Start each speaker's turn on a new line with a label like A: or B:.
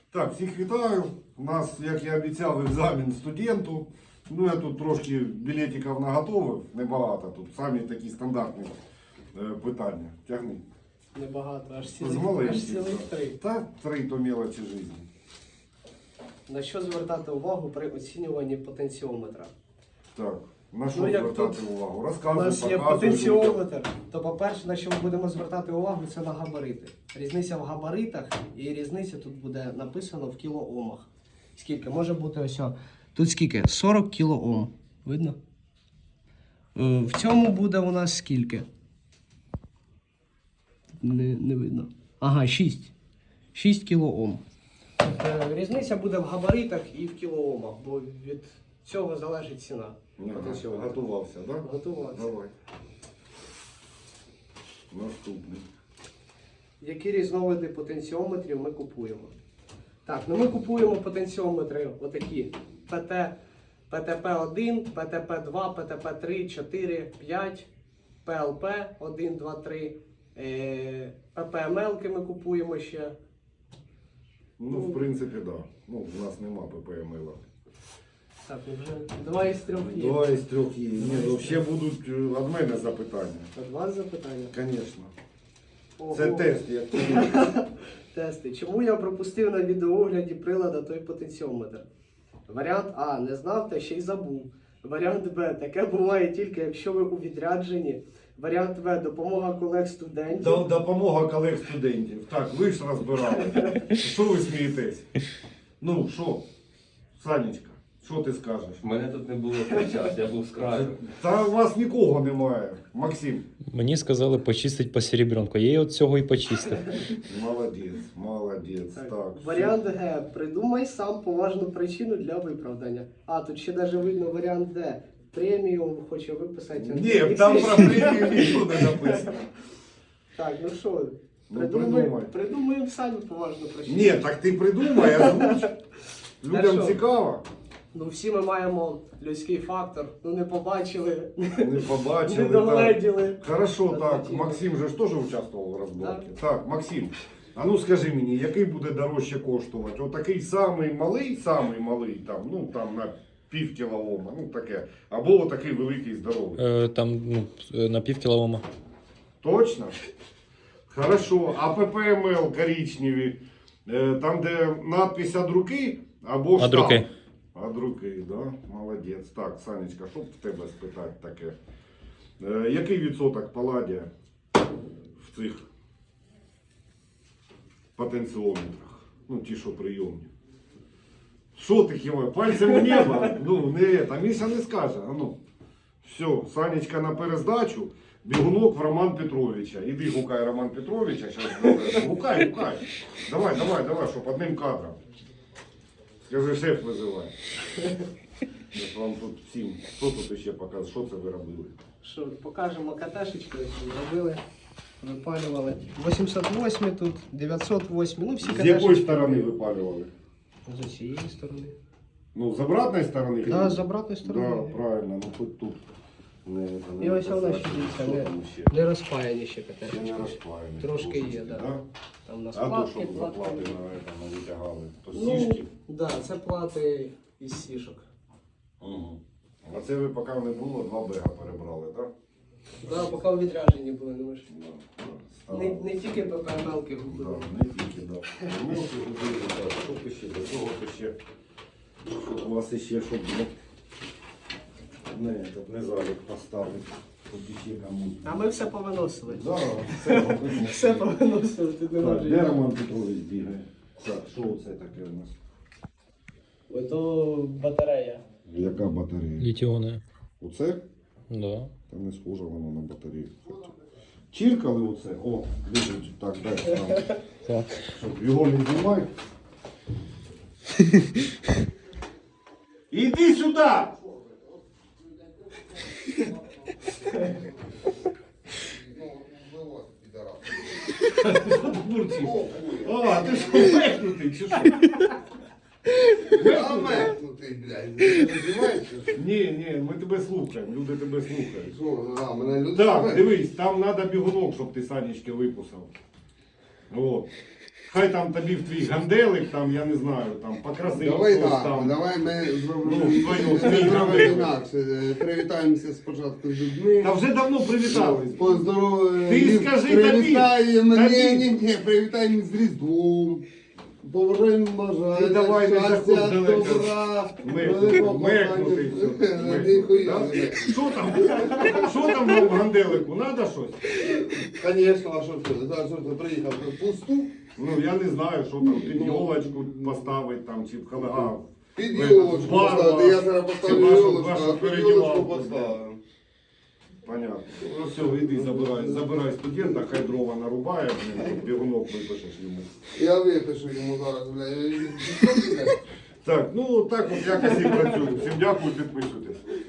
A: Так, всіх вітаю. У нас, як я обіцяв, екзамен студенту. Ну, я тут трошки білетиків наготовив, небагато. Тут самі такі стандартні питання. Тягни.
B: Небагато, аж
A: З
B: цілих
A: маленьких.
B: 3.
A: Та 3 то мелочі життя.
B: На що звертати увагу при оцінюванні потенціометра?
A: Так, на що
B: Ну, як
A: звертати
B: тут
A: увагу?
B: У
A: Розказуй,
B: нас є
A: показуй.
B: потенціометр, то по-перше, на що ми будемо звертати увагу, це на габарити. Різниця в габаритах і різниця тут буде написано в кілоомах. Скільки? Може бути ось. Тут скільки? 40 кілоом. Видно? В цьому буде у нас скільки? Не видно. Ага, 6. 6 кілоом. Різниця буде в габаритах і в кілоомах, бо від цього залежить ціна.
A: Готувався, так? Да?
B: Готувався.
A: Давай. Наступний.
B: Які різновиди потенціометрів ми купуємо? Так, ну ми купуємо потенціометри отакі. ПТП-1, ПТП-2, ПТП-3, 4, 5, ПЛП 1, 2, 3, ППМЛ-ки ми купуємо ще.
A: Ну, в принципі, так. Да. Ну, у нас нема ППМЛ.
B: Так, вже 2 із 3 є.
A: 2 із 3 є. Ні, ну ще будуть від мене запитання.
B: Від вас запитання?
A: Звісно.
B: Ого.
A: Це тест, як
B: Тести. Чому я пропустив на відеоогляді прилада той потенціометр? Варіант А. Не знав та ще й забув. Варіант Б. Таке буває тільки, якщо ви у відрядженні. Варіант В. Допомога колег-студентів.
A: Допомога колег-студентів. Так, ви ж розбирали. Що ви смієтесь? Ну, що? Санечка, що ти скажеш?
C: Мене тут не було в той час, я був з краю.
A: Та у вас нікого немає. Максим.
D: Мені сказали почистити по серебрянку. Я от цього і почистив.
A: Молодець. Так.
B: Варіант Г. Придумай сам поважну причину для виправдання. А, тут ще навіть видно варіант Д. Преміум хоче виписати.
A: Ні, там про премію нічого не написано.
B: Так, ну що,
A: Ну, придумай.
B: придумаємо самі поважну причину.
A: Ні, так ти придумай, озвуч. Людям
B: Хорошо.
A: цікаво.
B: Ну всі ми маємо людський фактор. Ну не побачили,
A: Не побачили.
B: не догледіли.
A: Хорошо, так.
B: Захотіли.
A: Максим же ж теж участвував в розборці. Так, Максим, а ну скажи мені, який буде дорожче коштувати? Отакий самий малий, там, ну там на пів кілоома, ну таке. Або отакий великий здоровий.
D: Там на пів кілома.
A: Точно? Хорошо. А ППМЛ коричневі, там де надпись «Од руки» або штамп?
D: Од руки.
A: Од руки, да? Молодець. Так, Санечка, що б в тебе спитати таке? Який відсоток паладія в цих потенціометрах? Ну, ті, що прийомні. Що ти хіба? Пальцем в небо? Ну, не там Міша не скаже. А ну. Все, Санечка на перездачу, бігунок в Роман Петровича. Іди гукай Роман Петровича. Щас... Гукай. Давай, щоб одним кадром. Скажи, шеф визиває. Я вам тут всім, хто тут ще показує, що це ви робили?
B: Що, покажемо каташечку, яку робили, випалювали. 808 тут, 908, ну всі
A: З
B: каташечки.
A: якої сторони випалювали?
B: З цієї сторони.
A: Ну, з обратної сторони?
B: Так, з обратної
A: Да,
B: сторони.
A: правильно, ну хоч тут.
B: І ось вона ще
A: Що
B: дивіться,
A: там ще?
B: не розпаяні ще
A: Ще
B: каташечки.
A: не розпаяні.
B: Трошки є, да.
A: Да?
B: Там у нас
A: А то,
B: платки,
A: щоб заплати
B: платки.
A: на витягали, то
B: Ну,
A: сішки.
B: да, це плати із сішок.
A: Угу. А це ви поки не було, 2 бега перебрали, так?
B: Да, поки у відрядженні були, ну ви ж.
A: Да.
B: Не тільки ППМЛ-ки
A: Да,
B: губили.
A: не тільки, да. Ну, що ти ще, до цього ти ще, щоб у вас ще, щоб не залік поставити, щоб ще комусь.
B: А ми все повиносили.
A: Да, все робимо.
B: Все повиносили, ти не
A: Так, де Роман Петрович бігає? Так, що це таке у нас?
B: Ото батарея.
A: Яка батарея?
D: Літіони.
A: Оце?
D: Да.
A: Та не схоже воно на батарею. Чіркали оце? О, лежить. Так, дай сам.
D: Так.
A: Щоб його не знімай. Іди сюди! Що ти бурчиш? А, ти що, мехнутий, чи що?
E: Мехнутий, блядь. Ти не знімаєш?
A: Ні, ми тебе слухаємо, люди тебе слухають.
E: Що, а, мене люди
A: Так,
E: слухають?
A: дивись, там треба бігунок, щоб ти Санечки виписав. О. хай там тобі в твій ганделик, там, я не знаю, там, покрасив
E: Давай
A: щось
E: так,
A: там.
E: давай ми зробимо
A: Ну, твою,
E: зробимо
A: твій
E: інакше. Привітаємося спочатку з людьми.
A: Та вже давно привітались.
E: Поздороваємо.
A: Ти скажи
E: Привітаємо,
A: тобі.
E: ні, привітаємо з Різдвом. Побажаємо бажання,
A: Ти давай не заходь
E: щастя,
A: далеко.
E: добра.
A: Мекнути і все.
E: Ніхуя.
A: Що там? Що там в ганделику? Надо щось?
E: Звісно, а що ти? Зараз що ти приїхав пусту?
A: Ну я не знаю, що там, під йолочку поставити там, чи в халага.
E: Під йолочку поставити. Я зараз поставлю йолочку, а під йолочку поставлю.
A: Понятно. Ну все, іди забирай студента, хай дрова нарубає, бігунок випишеш йому.
E: Я випишу йому зараз, бля.
A: Так, ну так от якось і працюю. Всім дякую, підписуйтесь.